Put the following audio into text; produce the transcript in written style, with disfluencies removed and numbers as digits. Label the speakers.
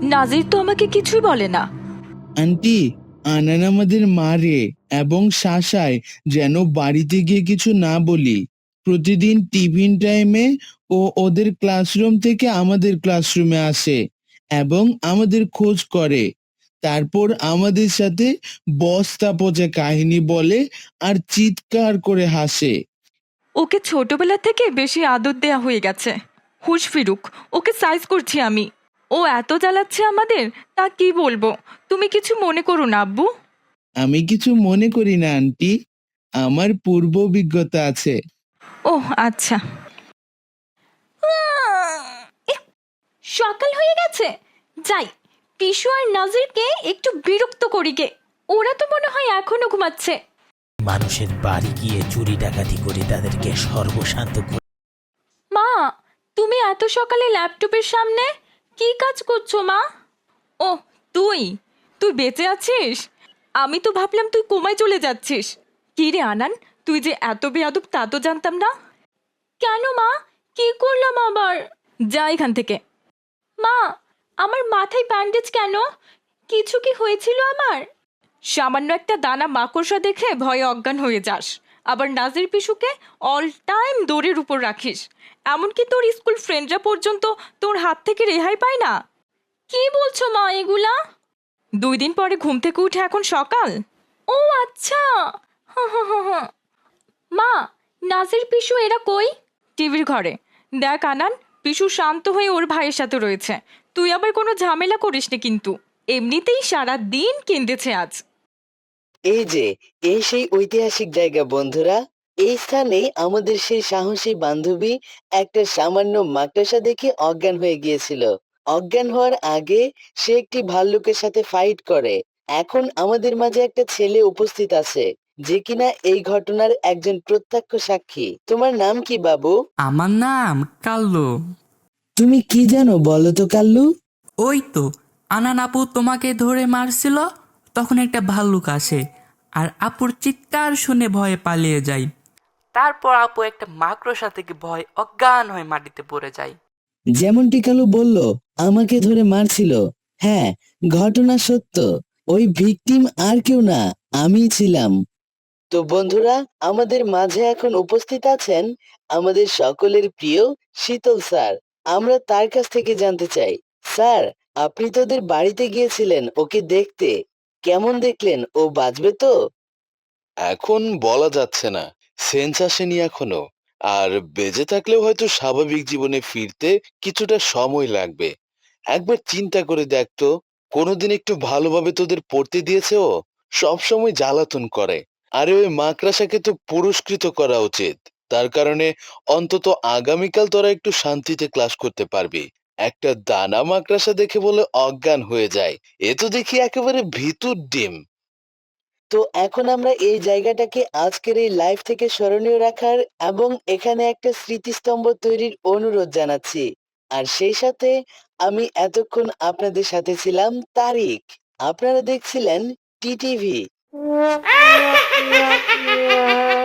Speaker 1: নাজির তো আমাকে কিছুই বলে না।
Speaker 2: আন্টি, আনান আমাদের মারে এবং শাসায় যেন বাড়িতে গিয়ে কিছু না বলি। প্রতিদিন টিফিন টাইমে ও ওদের ক্লাসরুম থেকে আমাদের ক্লাসরুমে আসে এবং আমাদের খোঁজ করে। তারপর আমাদের সাথে বস্তা পচা কাহিনী বলে আর চিৎকার করে হাসে।
Speaker 1: ওকে ছোটবেলা থেকে বেশি আদর দেয়া হয়ে গেছে। হুশ ফিরুক, ওকে সাইজ করছি আমি। ও এত জ্বালাচ্ছে আমাদের, তা কি বলবো। তুমি কিছু মনে করো না আব্বু।
Speaker 2: আমি কিছু মনে করি না আন্টি, আমার পূর্ব অভিজ্ঞতা আছে।
Speaker 1: ওহ আচ্ছা। সকাল হয়ে গেছে, যাই পিসু আর নাজিরকে একটু বিরক্ত করি গে। ওরা তো মনে হয় এখনো ঘুমাচ্ছে।
Speaker 3: মানুষের বাড়ি গিয়ে চুরি ডাকাতি করে তাদেরকে সর্বশান্ত করে।
Speaker 1: মা, তুমি এত সকালে ল্যাপটপের সামনে কি কাজ করছো মা? ও, তুই তুই বেঁচে আছিস? আমি তো ভাবলাম তুই কোমায় চলে যাচ্ছিস। কি রে আনান, তুই যে এত বেয়াদব তা তো জানতাম না। কেন মা, কি করলাম আবার? যা এখান থেকে। মা, আমার মাথায় ব্যান্ডেজ কেন? কিছু কি হয়েছিল আমার? সামান্য একটা দানা মাকড়সা দেখে ভয়ে অজ্ঞান হয়ে যাস, আবার নাজির পিসুকে অল টাইম দৌড়ের উপর রাখিস। এমনকি তোর স্কুল ফ্রেন্ডরা পর্যন্ত তোর হাত থেকে রেহাই পায় না। কি বলছো মা এগুলা? 2 দিন পরে ঘুম থেকে উঠে এখন সকাল। ও আচ্ছা। মা, নাজির পিসু এরা কই? টিভির ঘরে। দেখ আনান, পিসু শান্ত হয়ে ওর ভাইয়ের সাথে রয়েছে। তুই আবার কোনো ঝামেলা করিস নি কিন্তু। এমনিতেই সারা দিন কেঁদেছে আজ।
Speaker 4: এই যে, এই সেই ঐতিহাসিক জায়গা বন্ধুরা। এই স্থানেই আমাদের সেই সাহসী বান্ধবী একটা সামান্য মাকড়সা দেখে অজ্ঞান হয়ে গিয়েছিল। অজ্ঞান হওয়ার আগে সে একটি ভাল্লুকের সাথে ফাইট করে। এখন আমাদের মাঝে একটা ছেলে উপস্থিত আছে যে কিনা এই ঘটনার একজন প্রত্যক্ষ সাক্ষী। তোমার নাম কি বাবু?
Speaker 5: আমার নাম কাল্লু।
Speaker 4: তুমি কি জানো বলো তো কাল্লু?
Speaker 5: ওই তো, আনান আপু তোমাকে ধরে মারছিল, তখন একটা ভাল্লুক আসে আর আপুর চিৎকার শুনে ভয়ে পালিয়ে যায়। তারপর আপু একটা মাকড়সা থেকে ভয় অজ্ঞান হয়ে মাটিতে পড়ে যায়।
Speaker 4: যেমনটি কালু বলল, আমাকে ধরে মারছিল। হ্যাঁ, ঘটনা সত্য। ওই ভিকটিম আর কেউ না, আমিই ছিলাম। তো বন্ধুরা, আমাদের মাঝে এখন উপস্থিত আছেন আমাদের সকলের প্রিয় শীতল স্যার। আমরা তার কাছ থেকে জানতে চাই, স্যার, আপনি তো ওদের বাড়িতে গিয়েছিলেন ওকে দেখতে। কেমন দেখলেন? ও বাঁচবে তো?
Speaker 6: এখন বলা যাচ্ছে না, সেন্স আসেনি এখনো। আর বেঁচে থাকলেও হয়তো স্বাভাবিক জীবনে ফিরতে কিছুটা সময় লাগবে। একবার চিন্তা করে দেখতো, কোনোদিন একটু ভালোভাবে তোদের পড়তে দিয়েছে? ও সবসময় জ্বালাতন করে। আরে ওই মাকড়াসাকে তো পুরস্কৃত করা উচিত। তার কারণে অন্তত আগামীকাল তোরা একটু শান্তিতে ক্লাস করতে পারবি। একটা দানা মাকড়াসা দেখে বলে অজ্ঞান হয়ে যায়, এ তো দেখি একেবারে ভিতুর ডিম।
Speaker 4: তো এখন আমরা এই জায়গাটাকে আজকের এই লাইভ থেকে স্মরণীয় রাখার এবং এখানে একটা স্মৃতিস্তম্ভ তৈরির অনুরোধ জানাচ্ছি। আর সেই সাথে আমি এতক্ষণ আপনাদের সাথে ছিলাম তারিক। আপনারা দেখছিলেন টিটিভি।